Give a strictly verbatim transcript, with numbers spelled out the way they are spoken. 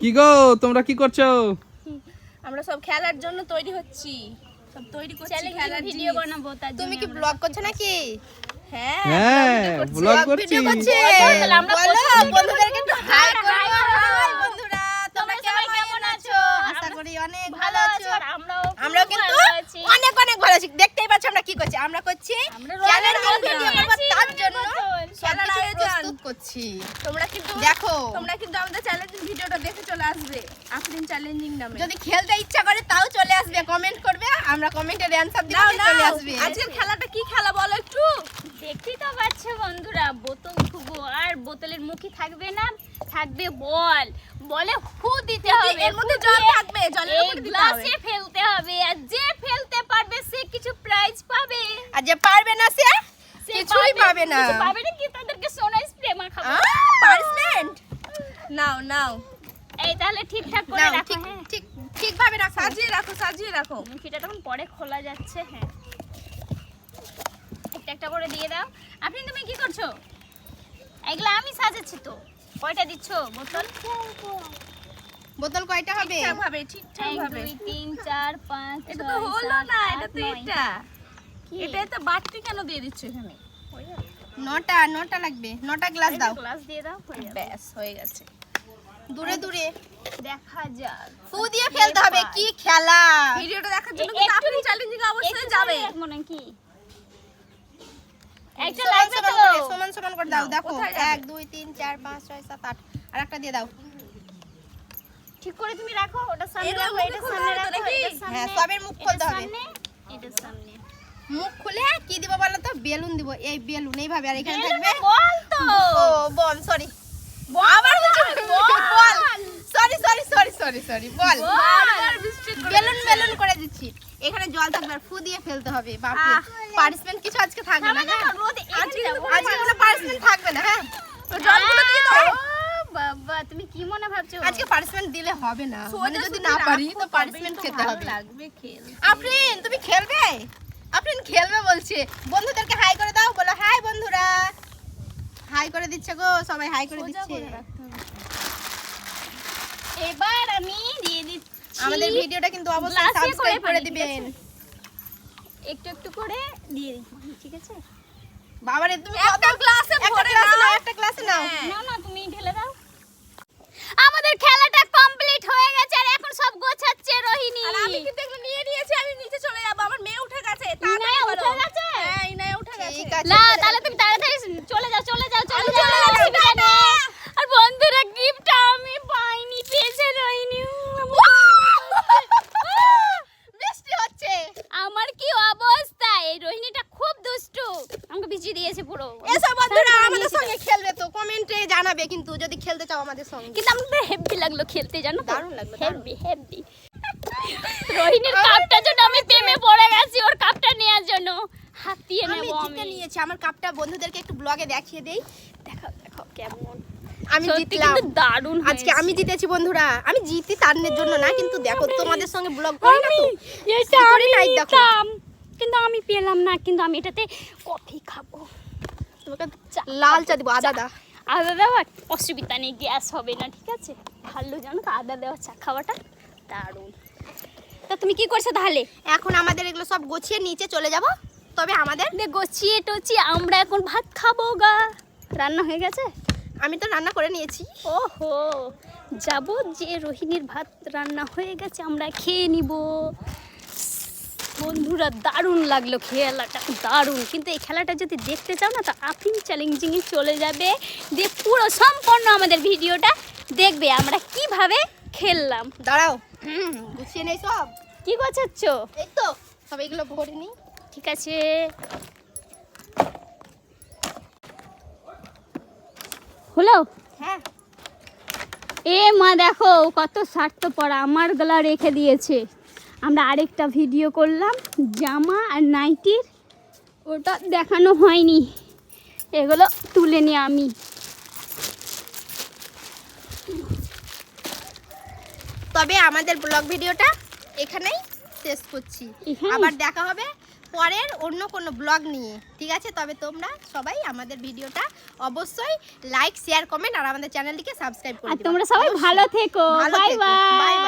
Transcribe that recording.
কি গো তোমরা কি করছো? আমরা সব খেলার জন্য তৈরি হচ্ছি, সব তৈরি করছি খেলার ভিডিও বানাবো। তার জন্য তুমি কি ব্লগ করছো নাকি? হ্যাঁ হ্যাঁ ব্লগ করছি। তাহলে আমরা বন্ধুদেরকে একটু হাই করো। হাই বন্ধুরা, তোমরা কেমন আছো? আশা করি অনেক ভালো আছো। আমরাও কিন্তু অনেক অনেক ভালো আছি। দেখতেই পাচ্ছ আমরা কি করছি, আমরা করছি চ্যালেঞ্জিং ভিডিও করব, তার জন্য খেলার আয়োজন প্রস্তুত করছি। তোমরা কিন্তু দেখো, তোমরা কিন্তু আমাদের চ্যালেঞ্জিং ভিডিওটা দেখে চলে আসবে আফরিন চ্যালেঞ্জিং নামে। যদি খেলতে ইচ্ছা করে তাও চলে আসবে, কমেন্ট করবে, আমরা কমেন্টের অ্যানসার দিব, চলে আসবে। আজকের খেলাটা কি খেলা বলো একটু? দেখতেই তো পাচ্ছ বন্ধুরা, বোতল খুবো, আর বোতলের মুখে থাকবে না, থাকবে বল। বলে ফু দিতে হবে, এর মধ্যে জল থাকবে, জলের উপরে দিতে হবে, গ্লাসে ফেলতে হবে, আর যে ফেলতে পারবে সে কিছু প্রাইজ পাবে, আর যে পারবে না সে কিছুই পাবে না। কিছু পাবে না, কি তাদেরকে সোনা স্প্রে মাখাবো। পানিশমেন্ট নাও নাও। এই তাহলে ঠিকঠাক করে রাখো, ঠিক হ্যাঁ ঠিক ঠিকভাবে রাখো, সাজিয়ে রাখো, সাজিয়ে রাখো। মুখিটা তখন পরে খোলা যাচ্ছে। হ্যাঁ একটা একটা করে দিয়ে দাও। আপনি তুমি কি করছো? এগুলা আমি সাজাচ্ছি তো। কয়টা দিচ্ছ বোতল? বোতল কয়টা হবে? ঠিকঠাক ভাবে, ঠিকঠাক এক ভাবে। দুই তিন চার পাঁচ এটা ছয় তো হলো সাত না, আট এটা তো নয়। এটা কি? এটা তো বাড়তি কেন দিয়ে দিচ্ছ এখানে? হয়ে যাবে। নটা নটা লাগবে, নটা গ্লাস দাও। গ্লাস দিয়ে দাও, হয়ে যাবে। ব্যাস হয়ে গেছে। দূরে দূরে দেখা যাক। ফু দিয়ে ফেলতে হবে। কি খেলা! ভিডিওটা দেখার জন্য কিন্তু আপনি চ্যালেঞ্জিং অবশ্যই যাবে। মনে কি একটা সমান লাগবে সমান তো। করে, সমান সমান করে দাও। দেখো কোথায় যাবে? এক দুই তিন চার পাঁচ ছয় সাত আট, আর একটা দিয়ে দাও। ঠিক করে তুমি রাখো, ওটা সামনে এগুলো রাখো, মুখে এটা খুলতে সামনে হবে তো রাখো, নাকি? এটা সামনে। হ্যাঁ, সবের মুখ এটা খুলতে হবে। সামনে, এটা সামনে। মুখ খুলে কি দিব বলো তো? বেলুন দিব। এই বেলুন এইভাবে, আর এখানে থাকবে বল তো। ও বল, সরি আবার বল, sorry sorry sorry sorry sorry বল। বেলুন বেলুন করে দিচ্ছি। এখানে জল থাকবে, আর ফু দিয়ে ফেলতে হবে। বাপরে, পানিশমেন্ট কিছু আজকে থাকবে না। হ্যাঁ আজকে আজকে কোনো পানিশমেন্ট থাকবে না। হ্যাঁ তো জলগুলো দিয়ে দাও। বাবা তুমি কি মনে ভাবছো? আজকে পানিশমেন্ট দিলে হবে না, মানে যদি না পারি তো পানিশমেন্ট খেতে হবে। লাগবে খেল। আফরিন তুমি খেলবে? আফরিন খেলবে বলছে। বন্ধুদেরকে হাই করে দাও, বলো হাই বন্ধুরা। হাই করে দিচ্ছে গো, সবাই হাই করে দিচ্ছে। এবার আমি দিয়ে দিচ্ছি। আমাদের ভিডিওটা কিন্তু অবশ্যই গ্লাসে করে সাবস্ক্রাইব করে পানি, ঠিক দিবেন। একটু একটু করে দিয়ে দিচ্ছি, ঠিক আছে? বাবারে তুমি একটা গ্লাসে ভরে নাও, একটা গ্লাসে নাও। না না তুমি ঢেলে দাও। আমাদের খেলাটা কমপ্লিট হয়ে গেছে, আর এখন সব গোছাচ্ছে রোহিণী। আর আমি কিন্তু এগুলো নিয়ে নিয়েছি, আমি নিচে চলে যাব। আমার মেয়ে উঠে গেছে। ইনায়া উঠে গেছে? হ্যাঁ ইনায়া উঠে গেছে। ঠিক আছে না তাহলে তুমি তাড়াতাড়ি চলে যাও, চলে যাও, চলে যাও। অসুবিধা নেই। আর বন্ধুরা গিফটটা আমি পাইনি, পেয়েছে রোহিণী। বৃষ্টি হচ্ছে। আমার কি অবস্থা! এই রোহিণীটা খুব দুষ্টু, আমাকে ভিজিয়ে দিয়েছে পুরো। এসো বন্ধুরা আমাদের সঙ্গে খেলবে তো কমেন্টে জানাবে, কিন্তু যদি খেলতে চাও আমাদের সঙ্গে। কিন্তু আমাদের হেভি লাগলো খেলতে, জানো তো? দারুণ লাগলো, হেভি হেভি। রোহিণীর কাপটা জন্য আমি প্রেমে পড়ে গেছি, ওর কাপটা নেওয়ার জন্য। হাতিয়ে আমি নেব জিতে আমি। নিয়েছি। আমার কাপটা বন্ধুদেরকে একটু ব্লগে দেখিয়ে দেই। দেখাও দেখাও কেমন। আমি সত্যি জিতলাম। কিন্তু দারুণ আজকে আমি জিতেছি বন্ধুরা। আমি জিতি তার জন্য না, কিন্তু দেখো তোমাদের সঙ্গে ব্লগ করি না তো, এটা কি করি আমি নাই দেখো। নিতাম, কিন্তু আমি পেলাম না। কিন্তু আমি এটাতে কফি খাবো, তোমাকে লাল চা দিব, আদা দা। আদা দেওয়ার অসুবিধা নেই, গ্যাস হবে না, ঠিক আছে? ভালো জানো তো আদা দেওয়া চা খাওয়াটা দারুণ। তা তুমি কি করছো তাহলে? এখন আমাদের এগুলো সব গুছিয়ে নিচে চলে যাব। তবে আমাদের দে গোছিয়ে টোছিয়ে আমরা এখন ভাত খাবো গা। রান্না হয়ে গেছে? আমি তো রান্না করে নিয়েছি। ওহো, যাব যে রোহিণীর ভাত রান্না হয়ে গেছে, আমরা খেয়ে নিব। বন্ধুরা দারুণ লাগলো খেলাটা, দারুণ। কিন্তু এই খেলাটা যদি দেখতে চাও না, তো আফরিন চ্যালেঞ্জিংয়ে চলে যাবে, দিয়ে পুরো সম্পূর্ণ আমাদের ভিডিওটা দেখবে আমরা কিভাবে খেললাম। দাঁড়াও, হুম গুছিয়ে নেই সব। কি গোছাচ্ছ? এই তো সব এগুলো ভরে নিই। ঠিক আছে। হলো? হ্যাঁ এ মা দেখো কত স্বার্থপর, আমার গলা রেখে দিয়েছে। আমরা আরেকটা ভিডিও করলাম জামা আর নাইটির, ওটা দেখানো হয়নি, এগুলো তুলে নিয়ে আমি। তবে আমাদের ব্লগ ভিডিওটা এখানেই শেষ করছি। এখানেই? আবার দেখা হবে পরের অন্য কোনো ব্লগ নিয়ে, ঠিক আছে? তবে তোমরা সবাই আমাদের ভিডিওটা অবশ্যই লাইক শেয়ার কমেন্ট আর আমাদের চ্যানেলটিকে সাবস্ক্রাইব করে আর দিও। তোমরা সবাই ভালো থেকো। ভালো বাই থেকো। Bye by.